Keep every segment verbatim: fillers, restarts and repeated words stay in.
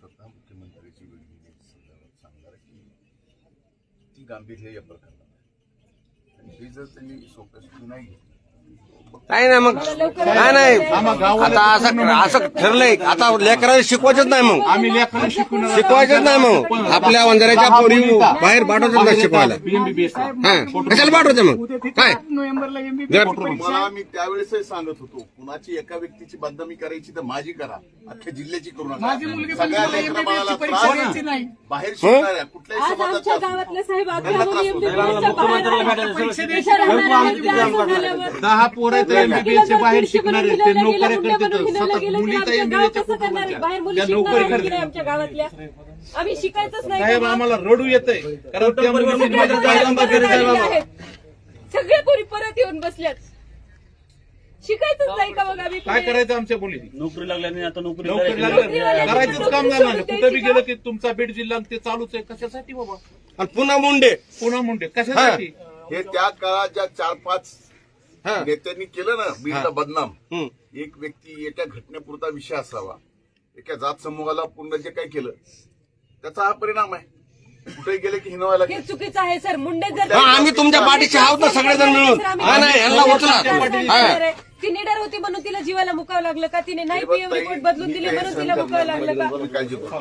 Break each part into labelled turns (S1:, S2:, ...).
S1: स्वतः मुख्यमंत्र्यांची वेळ घेण्याच्या संदर्भात सांगणार की ती गांभीर्य या प्रकरणात आणि हे जर त्यांनी सोपस्वी नाही घेतलं
S2: काय नाही मग काय नाही आता असं असं ठरलंय आता लेकराला शिकवायचंच नाही मग
S3: आम्ही लेकरांना शिकवून
S2: शिकवायचंच नाही मग आपल्या वंजाऱ्याच्या पोरी बाहेर पाठवायचं नाही शिकवायला
S3: एमबीबीएस
S2: हा कशाला पाठवायचं मग काय
S3: नोव्हेंबरला
S1: मला मी त्यावेळेसही सांगत होतो कुणाची एका व्यक्तीची बदनामी करायची तर माझी करा अख्ख्या जिल्ह्याची करू नका सगळ्या लेकरा बाळाला त्रास नाही बाहेर शिकणाऱ्या कुठल्याही
S4: आज आमच्या
S1: समाजाच्या
S4: गावातल्या साहेब
S1: त्यांना त्रास होतो.
S3: दहा पोरं तर एमबीबीएसच्या बाहेर शिकणार आहेत ते नोकऱ्या करतात सतत मुली तर एमबीबीएसच्या
S4: बाहेर मुली
S3: त्या नोकरी
S4: शिकणार
S3: करतात
S4: आमच्या गावातल्या आम्ही शिकायचंच नाही
S3: साहेब
S4: का?
S3: आम्हाला रडू येतंय कारण त्या मुली
S4: सगळ्या
S3: माझ्या
S4: पोरी
S3: जागांबा
S4: परत
S3: गरज आहे
S4: आलेल्या
S3: बाबा
S4: आहेत. सगळ्या पोरी परत येऊन बसल्यात शिकायचंच नाही का मग आम्ही
S3: काय
S4: पुढे?
S3: करायचं आमच्या मुली
S5: नोकरी लागल्याने आता नोकरी
S3: नोकरी
S5: करायची.
S3: लागलं करायचंच काम झालं नाही कुठं बी गेलं की तुमचा बीड जिल्हा ते चालूच आहे कशासाठी बाबा
S2: आणि पुन्हा मुंडे
S3: पुन्हा मुंडे कशासाठी
S1: हे त्या काळात ज्या चार पाच
S2: हा.
S1: नेत्यांनी केलं ना बीडला बदनाम
S2: हम्म.
S1: एक व्यक्ती एका घटनेपुरता विषय असावा एका जात समूहाला पूर्ण जे काही केलं त्याचा हा परिणाम आहे कुठे गेले की हिनवायला
S4: हे चुकीचं आहे सर मुंडे जर
S2: हा, आम्ही तुमच्या पाठीशी आहोत ना सगळेजण मिळून हा नाही यांना उचला हा.
S4: ती निडर होती म्हणून तिला जीवाला मुकावं लागलं का तिने नाही पीएम रिपोर्ट बदलून दिली म्हणून तिला मुकावं लागलं का
S1: तुम्ही काळजी करू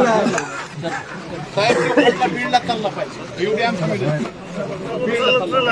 S3: साहेब बीडला चालला पाहिजे एवढी आमची विनंती. बीडला चालला.